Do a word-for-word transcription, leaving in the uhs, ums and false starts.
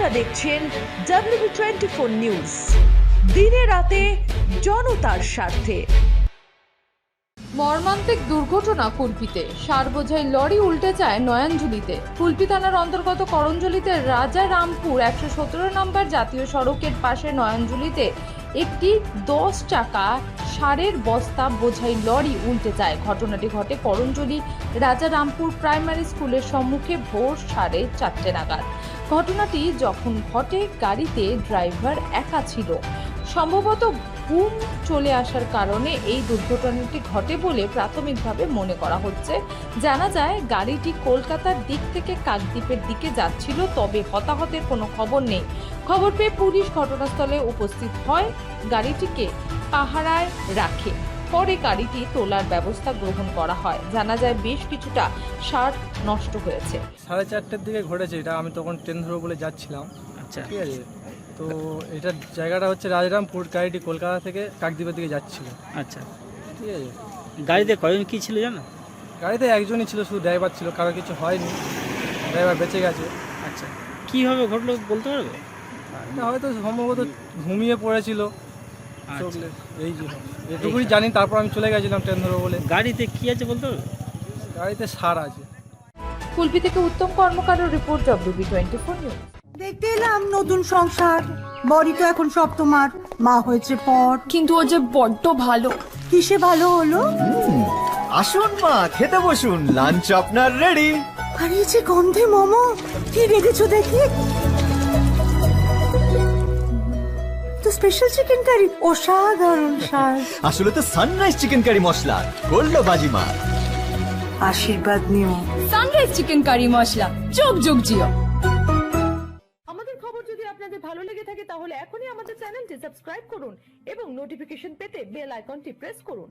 আপনারা দেখছেন WB twenty four news, দিনে রাতে জনতার স্বার্থে। মর্মান্তিক দুর্ঘটনা কুলপিতে, সার বোঝাই লরি উল্টে যায় নয়াঞ্জলিতে। কুলপি থানার অন্তর্গত করঞ্জলিতে রাজা রামপুর একশো সতেরো নম্বর জাতীয় সড়কের পাশে নয়াঞ্জলিতে একটি দশ চাকা সারের বস্তা বোঝাই লরি উল্টে যায়। ঘটনাটি ঘটে করঞ্জলি রাজা রামপুর প্রাইমারি স্কুলের সম্মুখে ভোর সাড়ে চারটে নাগাদ। ঘটনাটি যখন ঘটে গাড়িতে ড্রাইভার একা ছিল। সম্ভবত ঘুম চলে আসার কারণে এই দুর্ঘটনাটি ঘটে বলে প্রাথমিকভাবে মনে করা হচ্ছে। জানা যায় গাড়িটি কলকাতার দিক থেকে কাকদ্বীপের দিকে যাচ্ছিল, তবে হতাহতের কোনো খবর নেই। খবর পেয়ে পুলিশ ঘটনাস্থলে উপস্থিত হয়, গাড়িটিকে পাহারায় রাখে। পরে গাড়িটি তোলার ব্যবস্থা গ্রহণ করা হয়। জানা যায় বেশ কিছুটা সার নষ্ট হয়েছে। সাড়ে চারটের দিকে ঘটেছে এটা। আমি তখন ট্রেন ধরবো বলে যাচ্ছিলাম। আচ্ছা, ঠিক আছে, তো এটার জায়গাটা হচ্ছে রাজরামপুর। গাড়িটি কলকাতা থেকে কাকদ্বীপের দিকে যাচ্ছিল। আচ্ছা। ঠিক আছে, গাড়িতে কয়জন কি ছিল জানো? গাড়িতে একজনই ছিল, শুধু ড্রাইভার ছিল, কারো কিছু হয়নি, ড্রাইভার বেঁচে গেছে। আচ্ছা, কিভাবে ঘটলো বলতে পারবে? এটা হয়তো সম্ভবত ঘুমিয়ে পড়েছিল। আচ্ছা। চোখলে এই যে এটুকুই জানি। তারপর আমি চলে গেছিলাম ট্রেন ধরবো বলে। গাড়িতে কি আছে বলতে পারবে? গাড়িতে সার আছে। কুলপি থেকে উত্তম কর্মকারের report, WB twenty four news. দেখতে এলাম নতুন সংসার, বড়ি তো এখন সব তোমার, মা হয়েছে পর। কিন্তু ও যে বড্ড ভালো। কিসে ভালো হলো? আসুন মা, খেতে বসুন, লাঞ্চ আপনার রেডি। আর এই যে গন্ধে মোমো, কি রেখেছো দেখি তো স্পেশাল চিকেন কারি, অসাধারণ স্বাদ। আসলে তো Sunrise chicken curry masala, gold বাজিমা। আশীর্বাদ নিও। সানরাইজ চিকেন কারি মশলা, যোগ যোগ জিও। আমাদের খবর যদি আপনাদের ভালো লেগে থাকে তাহলে এখনই আমাদের চ্যানেলটি সাবস্ক্রাইব করুন এবং নোটিফিকেশন পেতে বেল আইকনটি প্রেস করুন।